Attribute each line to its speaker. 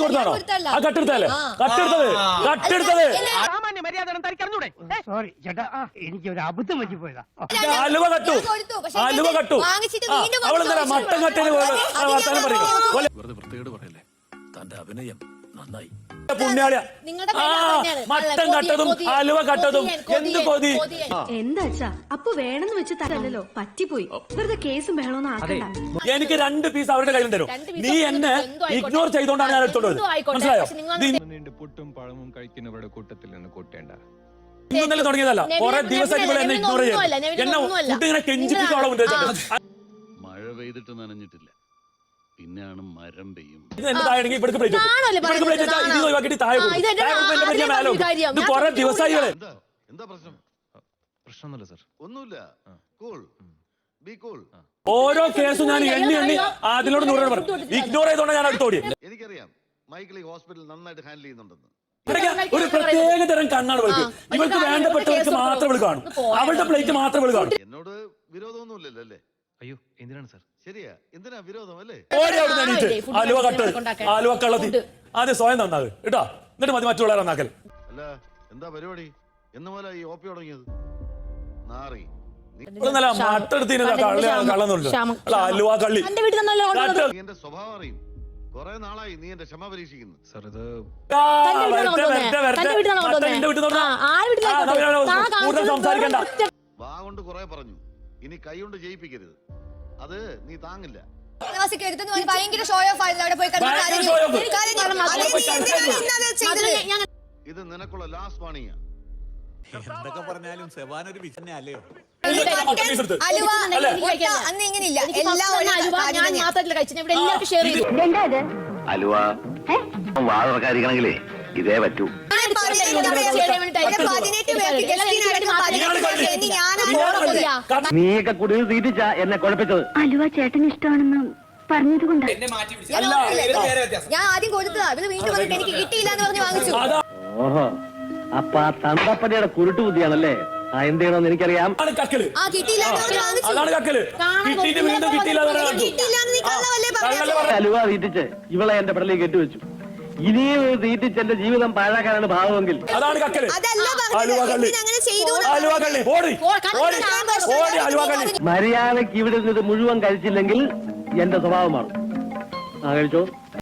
Speaker 1: കൊടുത്താണോ? ആ കട്ടെടുത്തല്ലേ? കട്ടെടുത്തത്
Speaker 2: സോറി ചേട്ടാ, എനിക്ക് ഒരു അബദ്ധം പറ്റി പോയതാ.
Speaker 1: അലുവ കട്ടു. അവളെന്താ മട്ടൻ കട്ടേന് വർത്താനം പറയുന്നു.
Speaker 3: വെറുതെ വൃത്തികേട് പറയല്ലേ. തന്റെ അഭിനയം നന്നായി.
Speaker 1: പുണ്യാളിയ മട്ടൻ കട്ടതും അലുവ കട്ടതും എന്ത് കൊതി.
Speaker 4: എന്താ അപ്പൊ വേണമെന്ന് വെച്ച് തരല്ലോ, പറ്റിപ്പോയി. വെറുതെ കേസും ബഹളമൊന്നും ആക്കണ്ട.
Speaker 1: എനിക്ക് 2 പീസ് അവരുടെ കയ്യിൽ തരും. നീ എന്നെ ഇഗ്നോർ ചെയ്തോണ്ടാണ് ഞാൻ എടുത്തോണ്ടത്. മനസ്സിലായോ?
Speaker 5: പുട്ടും പഴവും കഴിക്കുന്നവരുടെ കൂട്ടത്തിൽ നിന്ന് കൂട്ടേണ്ട.
Speaker 1: ഇന്നലെ തുടങ്ങിയതല്ല, കുറെ ദിവസമായിട്ട് എന്നെ ഇഗ്നോർ ചെയ്യും. എന്നെ ഫുഡ് ഇങ്ങനെ കെഞ്ചിപ്പിക്കോളം.
Speaker 3: മഴ പെയ്തിട്ട് നനഞ്ഞിട്ടില്ല, പിന്നെയാണ് മരം പെയ്യും.
Speaker 1: എന്താണെങ്കിൽ ഇവിടേക്ക് പ്ലേറ്റ് ഇത് ഒഴിവാക്കിയിട്ട് താഴെ കുറെ ദിവസമായികളെ.
Speaker 3: എന്താ പ്രശ്നം? പ്രശ്നമൊന്നുമില്ല സർ, ഒന്നുമില്ല. Cool, be cool.
Speaker 1: ഓരോ കേസും ഞാൻ എണ്ണി അതിനോട് നൂറോട് പറഞ്ഞു. ഇഗ്നോർ ചെയ്തോണ്ട് ഞാൻ അടുത്തോടി.
Speaker 3: എനിക്കറിയാം മൈക്കിളി ഹോസ്പിറ്റൽ നന്നായിട്ട് ഹാൻഡിൽ ചെയ്യുന്നുണ്ടെന്ന്.
Speaker 1: ഒരു പ്രത്യേക തരം കണ്ണാണ് വിളിക്കും. ഇവർക്ക് വേണ്ടപ്പെട്ടവർക്ക് മാത്രം വിളി കാണും. അവളുടെ പ്ലേറ്റ് മാത്രം വിളി കാണും.
Speaker 3: എന്നോട് വിരോധമൊന്നുമില്ലല്ലോ അല്ലേ? അയ്യോ എന്തിനാണ് സർ? ശരിയാ, എന്തിനാ വിരോധം അല്ലേ?
Speaker 1: ആലുവ കട്ട്, ആലുവ കള്ളത്തി. ആദ്യം സ്വയം നന്നാകും കേട്ടോ, എന്നിട്ട് മതി മറ്റുള്ളവരെ നന്നാക്കൽ.
Speaker 3: അല്ല എന്താ പരിപാടി? എന്ന് പോലെ ഈ ഓപ്പി തുടങ്ങിയത് നാറി.
Speaker 1: മട്ടെടുത്തിന് കള്ളന്നുള്ളു. ആലുവ കള്ളി.
Speaker 3: എന്റെ സ്വഭാവം അറിയും. കൊറേ നാളായി നീ എന്റെ ക്ഷമ പരീക്ഷിക്കുന്നു. സർ ഇത്
Speaker 1: സംസാരിക്കണ്ട.
Speaker 3: വാ കൊണ്ട് കൊറേ പറഞ്ഞു, ഇനി കൈ കൊണ്ട് ജയിപ്പിക്കരുത്. അത് നീ താങ്ങില്ല.
Speaker 6: ഭയങ്കര ഷോ ഓഫ് ആയിരുന്നു. അവിടെ പോയി
Speaker 3: ഇത് നിനക്കുള്ള ലാസ്റ്റ് വാണിംഗ്.
Speaker 7: എന്തൊക്കെ പറഞ്ഞാലും സെവാൻ ഒരു വിഷനെ അല്ലയോ?
Speaker 6: അന്ന് ഇങ്ങനെയില്ല.
Speaker 8: അലുവ വാഴക്കാരിക്കണെങ്കിലേ ഇതേ പറ്റൂ. നീയൊക്കെ കുടിയിൽ തീറ്റിച്ച എന്നെ കുഴപ്പിച്ചത്.
Speaker 4: അലുവ ചേട്ടന് ഇഷ്ടമാണെന്ന് പറഞ്ഞത് കൊണ്ടാ.
Speaker 6: ഞാൻ ആദ്യം കൊടുത്തതാ, അത് വീണ്ടും വന്നിട്ട് എനിക്ക് കിട്ടിയില്ല എന്ന് പറഞ്ഞ് വാങ്ങിച്ചു.
Speaker 8: ഓഹോ, അപ്പൊ ആ തന്തപ്പടിയുടെ കുരുട്ടു ബുദ്ധിയാണല്ലേ? ആ എന്ത് ചെയ്യണമെന്ന് എനിക്കറിയാം. അലുവ തീറ്റിച്ച് ഇവളെ എന്റെ പെടലേക്ക് കെട്ടിവെച്ചു. ഇനിയും തീറ്റിച്ച് എന്റെ ജീവിതം പാഴാക്കാനാണ് ഭാവമെങ്കിൽ മര്യാദക്ക് ഇവിടെ നിന്നിട്ട് മുഴുവൻ കഴിച്ചില്ലെങ്കിൽ എന്റെ സ്വഭാവം മാറും. ആ കഴിച്ചോ.